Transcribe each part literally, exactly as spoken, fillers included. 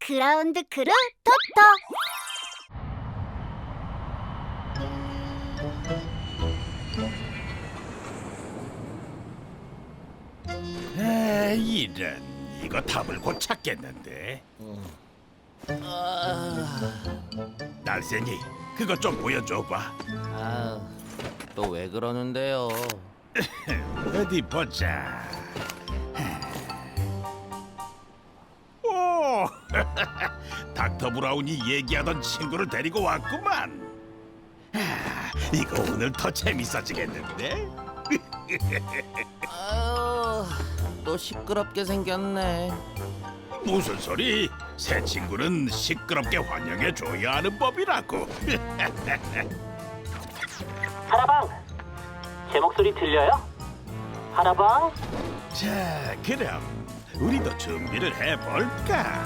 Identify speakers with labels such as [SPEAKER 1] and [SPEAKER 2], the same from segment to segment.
[SPEAKER 1] 그라운드 크루 토토.
[SPEAKER 2] 에, 이런, 이거 답을 곧 찾겠는데. 날쌘이 그거 좀 보여줘봐.
[SPEAKER 3] 아, 또 왜 그러는데요?
[SPEAKER 2] 어디 보자. 오, 닥터 브라운이 얘기하던 친구를 데리고 왔구만. 아, 이거 오늘 더 재밌어지겠는데?
[SPEAKER 3] 아유, 또 시끄럽게 생겼네.
[SPEAKER 2] 무슨 소리? 새 친구는 시끄럽게 환영해줘야 하는 법이라고.
[SPEAKER 4] 하나방! 제 목소리 들려요? 하나방?
[SPEAKER 2] 자, 그럼 우리도 준비를 해볼까?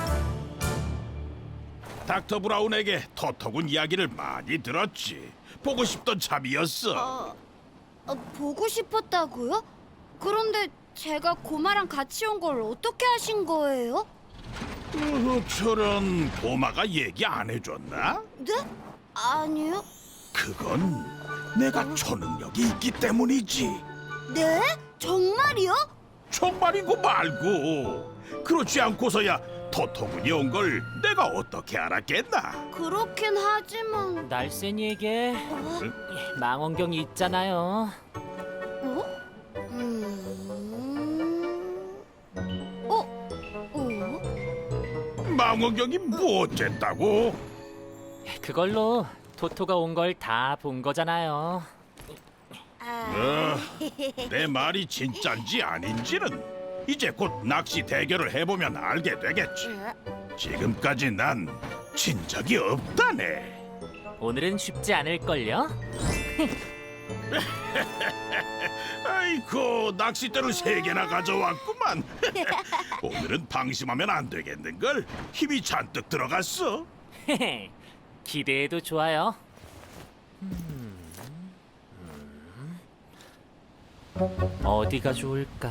[SPEAKER 2] 닥터 브라운에게 토토군 이야기를 많이 들었지. 보고 싶던 참이었어.
[SPEAKER 1] 어, 어, 보고 싶었다고요? 그런데 제가 고마랑 같이 온 걸 어떻게 하신 거예요?
[SPEAKER 2] 어, 저런 고마가 얘기 안 해줬나?
[SPEAKER 1] 네? 아니요.
[SPEAKER 2] 그건 내가 초능력이 있기 때문이지.
[SPEAKER 1] 네? 정말이요?
[SPEAKER 2] 정말이고 말고. 그렇지 않고서야 토토군이 온 걸 내가 어떻게 알았겠나?
[SPEAKER 1] 그렇긴 하지만
[SPEAKER 5] 날쌘이에게
[SPEAKER 1] 어?
[SPEAKER 5] 망원경이 있잖아요.
[SPEAKER 1] 어? 음... 어? 어?
[SPEAKER 2] 망원경이 뭐 어쨌다고?
[SPEAKER 5] 그걸로 토토가 온 걸 다 본 거잖아요.
[SPEAKER 1] 아...
[SPEAKER 2] 어, 내 말이 진짠지 아닌지는 이제 곧 낚시 대결을 해보면 알게 되겠지. 지금까지 난 진 적이 없다네.
[SPEAKER 5] 오늘은 쉽지 않을걸요?
[SPEAKER 2] 아이고, 낚싯대를 세 개나 가져왔구만. 오늘은 방심하면 안 되겠는걸. 힘이 잔뜩 들어갔어.
[SPEAKER 5] 기대해도 좋아요. 어디가 좋을까?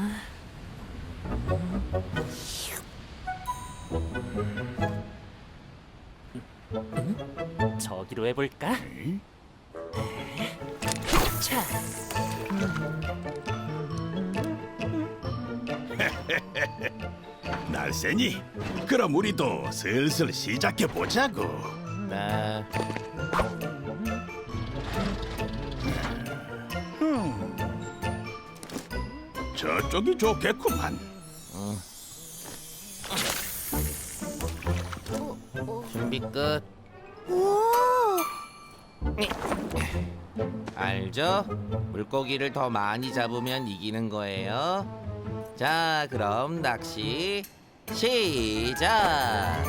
[SPEAKER 5] 음? 저기로 해볼까?
[SPEAKER 2] 에이?
[SPEAKER 5] 차.
[SPEAKER 2] 날쌘이, 그럼 우리도 슬슬 시작해 보자고.
[SPEAKER 3] 네.
[SPEAKER 2] 저쪽이 좋겠구만.
[SPEAKER 3] 준비 끝.
[SPEAKER 1] 오!
[SPEAKER 3] 알죠? 물고기를 더 많이 잡으면 이기는 거예요. 자, 그럼 낚시 시작.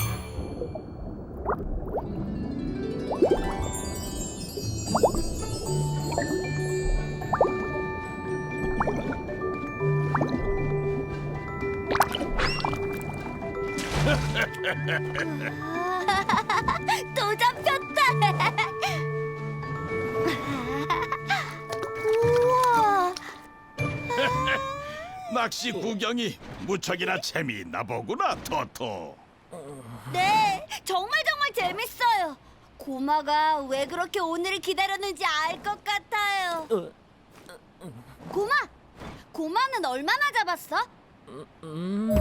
[SPEAKER 1] 또 잡혔다. 우와.
[SPEAKER 2] 낚시 구경이 무척이나 재미있나 보구나, 토토.
[SPEAKER 1] 네, 정말 정말 재밌어요. 고마가 왜 그렇게 오늘을 기다렸는지 알 것 같아요.
[SPEAKER 5] 어,
[SPEAKER 1] 고마, 고마는 얼마나 잡았어?
[SPEAKER 5] 음,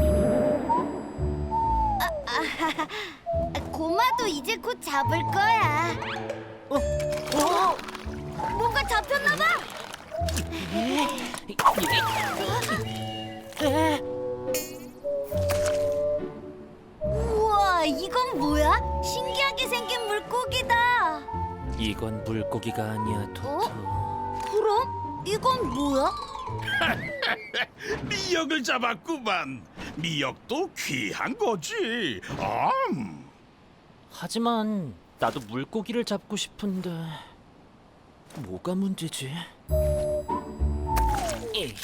[SPEAKER 1] 고마도 이제 곧 잡을 거야. 어? 어? 뭔가 잡혔나 봐. 우와, 이건 뭐야? 신기하게 생긴 물고기다.
[SPEAKER 5] 이건 물고기가 아니야, 토토.
[SPEAKER 1] 그럼 이건 뭐야?
[SPEAKER 2] 미역을 잡았구만. 미역도 귀한 거지. 암.
[SPEAKER 5] 하지만 나도 물고기를 잡고 싶은데 뭐가 문제지? 에이.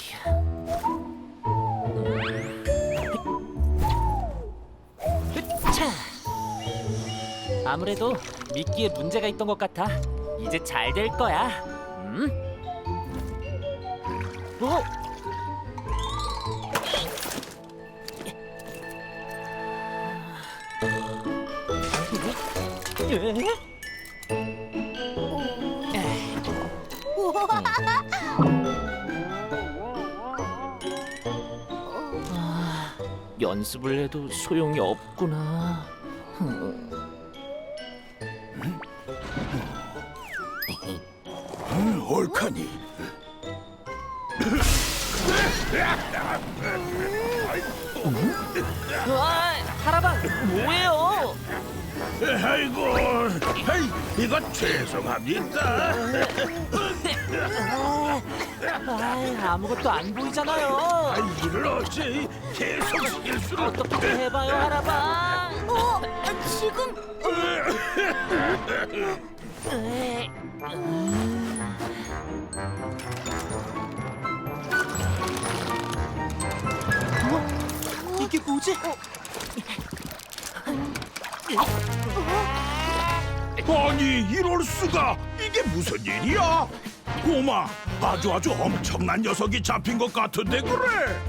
[SPEAKER 5] 차. 아무래도 미끼에 문제가 있던 것 같아. 이제 잘 될 거야. 음? 어? 아, 연습을 해도 소용이 없구나.
[SPEAKER 2] 음, 옳카니.
[SPEAKER 5] 아, 하라방 뭐예요?
[SPEAKER 2] 아이고, 아이, 이거 죄송합니다.
[SPEAKER 5] 아, 아무것도 안 보이잖아요.
[SPEAKER 2] 아, 이를 어째 계속 실수를.
[SPEAKER 5] 어떻게 해봐요, 하라방?
[SPEAKER 1] 어, 지금
[SPEAKER 5] 이게 뭐지?
[SPEAKER 2] 아니, 이럴 수가. 이게 무슨 일이야? 고마, 아주 아주 엄청난 녀석이 잡힌 것 같은데 그래.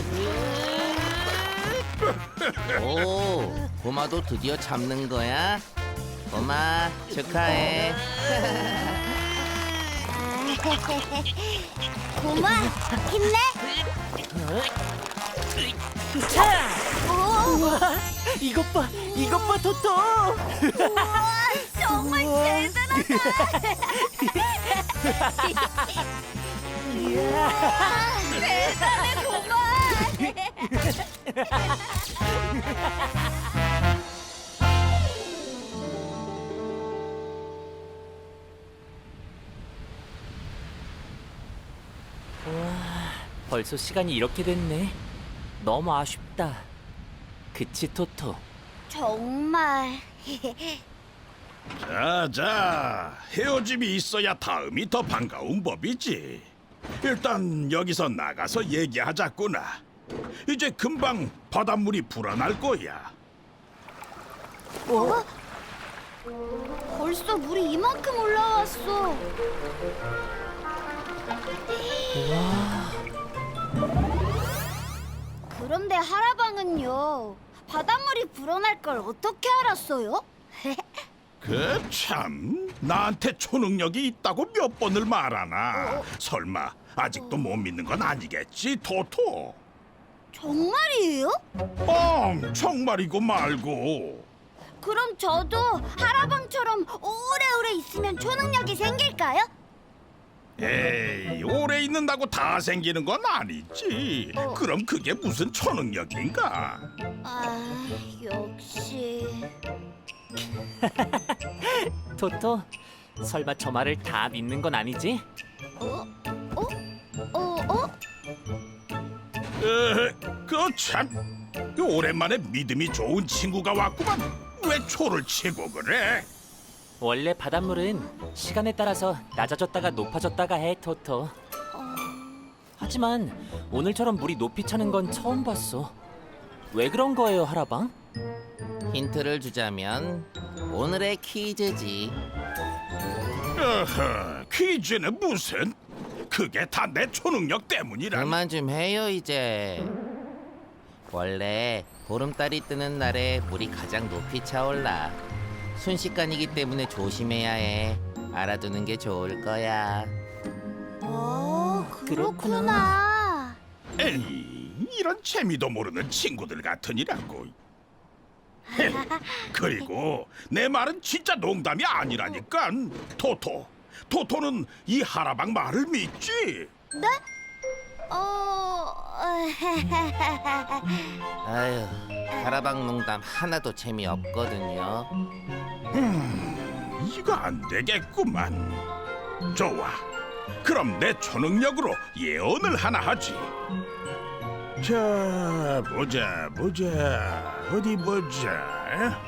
[SPEAKER 3] 오, 고마도 드디어 잡는 거야? 고마, 축하해.
[SPEAKER 1] 고마 힘내.
[SPEAKER 5] 자,
[SPEAKER 1] 오,
[SPEAKER 5] 우와, 이것 봐, 이것 봐, 토토.
[SPEAKER 1] 우와, 정말 대단하다. 우와, 대단해 고마.
[SPEAKER 5] 벌써 시간이 이렇게 됐네. 너무 아쉽다. 그치, 토토?
[SPEAKER 1] 정말.
[SPEAKER 2] 자자, 헤어짐이 있어야 다음이 더 반가운 법이지. 일단 여기서 나가서 얘기하자꾸나. 이제 금방 바닷물이 불어날 거야.
[SPEAKER 1] 어? 벌써 물이 이만큼 올라왔어. 그런데 하라방은요, 바닷물이 불어날 걸 어떻게 알았어요?
[SPEAKER 2] 그 참, 나한테 초능력이 있다고 몇 번을 말하나. 설마 아직도 못 믿는 건 아니겠지, 토토?
[SPEAKER 1] 정말이에요?
[SPEAKER 2] 뻥, 정말이고 말고.
[SPEAKER 1] 그럼 저도 하라방처럼 오래오래 있으면 초능력이 생길까요?
[SPEAKER 2] 에이, 오래 있는다고 다 생기는 건 아니지. 그럼 그게 무슨 초능력인가?
[SPEAKER 1] 아, 역시.
[SPEAKER 5] 토토, 설마 저 말을 다 믿는 건 아니지?
[SPEAKER 1] 어? 어? 어? 어?
[SPEAKER 2] 에, 그 참, 오랜만에 믿음이 좋은 친구가 왔구만. 왜 초를 치고 그래?
[SPEAKER 5] 원래 바닷물은 시간에 따라서 낮아졌다가 높아졌다가 해, 토토. 하지만 오늘처럼 물이 높이 차는 건 처음 봤어. 왜 그런 거예요, 하라방?
[SPEAKER 3] 힌트를 주자면 오늘의 퀴즈지.
[SPEAKER 2] 어허, 퀴즈는 무슨? 그게 다 내 초능력 때문이라.
[SPEAKER 3] 그만 좀 해요 이제. 원래 보름달이 뜨는 날에 물이 가장 높이 차올라. 순식간이기 때문에 조심해야 해. 알아두는 게 좋을 거야.
[SPEAKER 1] 어,
[SPEAKER 5] 그렇구나.
[SPEAKER 1] 그렇구나.
[SPEAKER 2] 에이, 이런 재미도 모르는 친구들 같으니라고. 헤, 그리고 내 말은 진짜 농담이 아니라니까. 토토, 토토는 이 하라방 말을 믿지?
[SPEAKER 1] 네? 어...
[SPEAKER 3] 아유, 하라방 농담 하나도 재미없거든요.
[SPEAKER 2] 이거 안 되겠구만. 좋아, 그럼 내 초능력으로 예언을 하나 하지. 자, 보자 보자, 어디 보자.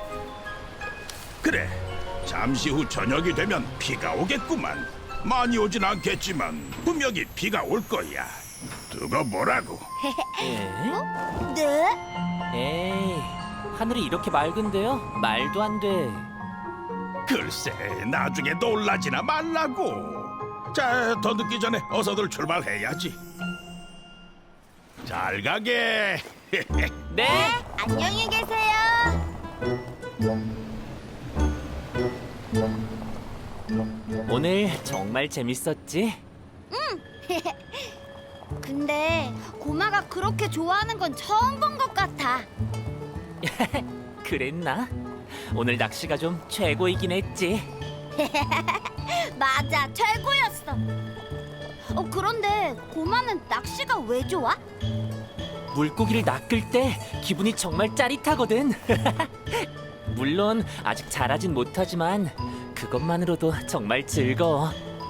[SPEAKER 2] 그래, 잠시 후 저녁이 되면 비가 오겠구만. 많이 오진 않겠지만 분명히 비가 올 거야. 두고 보라고.
[SPEAKER 5] 에?
[SPEAKER 1] 네?
[SPEAKER 5] 에이, 하늘이 이렇게 맑은데요? 말도 안 돼.
[SPEAKER 2] 글쎄, 나중에 놀라지나 말라고. 자, 더 늦기 전에 어서들 출발해야지. 잘 가게.
[SPEAKER 5] 네?
[SPEAKER 1] 안녕히 계세요.
[SPEAKER 5] 오늘 정말 재밌었지?
[SPEAKER 1] 근데 고마가 그렇게 좋아하는 건 처음 본 것 같아.
[SPEAKER 5] 그랬나? 오늘 낚시가 좀 최고이긴 했지.
[SPEAKER 1] 맞아, 최고였어. 어, 그런데 고마는 낚시가 왜 좋아?
[SPEAKER 5] 물고기를 낚을 때 기분이 정말 짜릿하거든. 물론 아직 잘하진 못하지만 그것만으로도 정말 즐거워.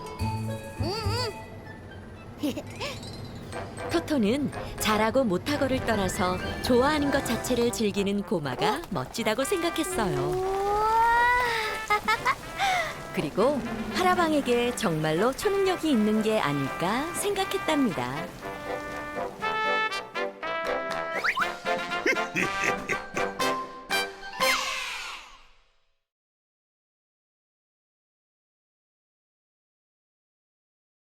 [SPEAKER 6] 토토는 잘하고 못하고를 떠나서 좋아하는 것 자체를 즐기는 고마가 멋지다고 생각했어요.
[SPEAKER 1] 우와.
[SPEAKER 6] 그리고 하라방에게 정말로 초능력이 있는 게 아닐까 생각했답니다.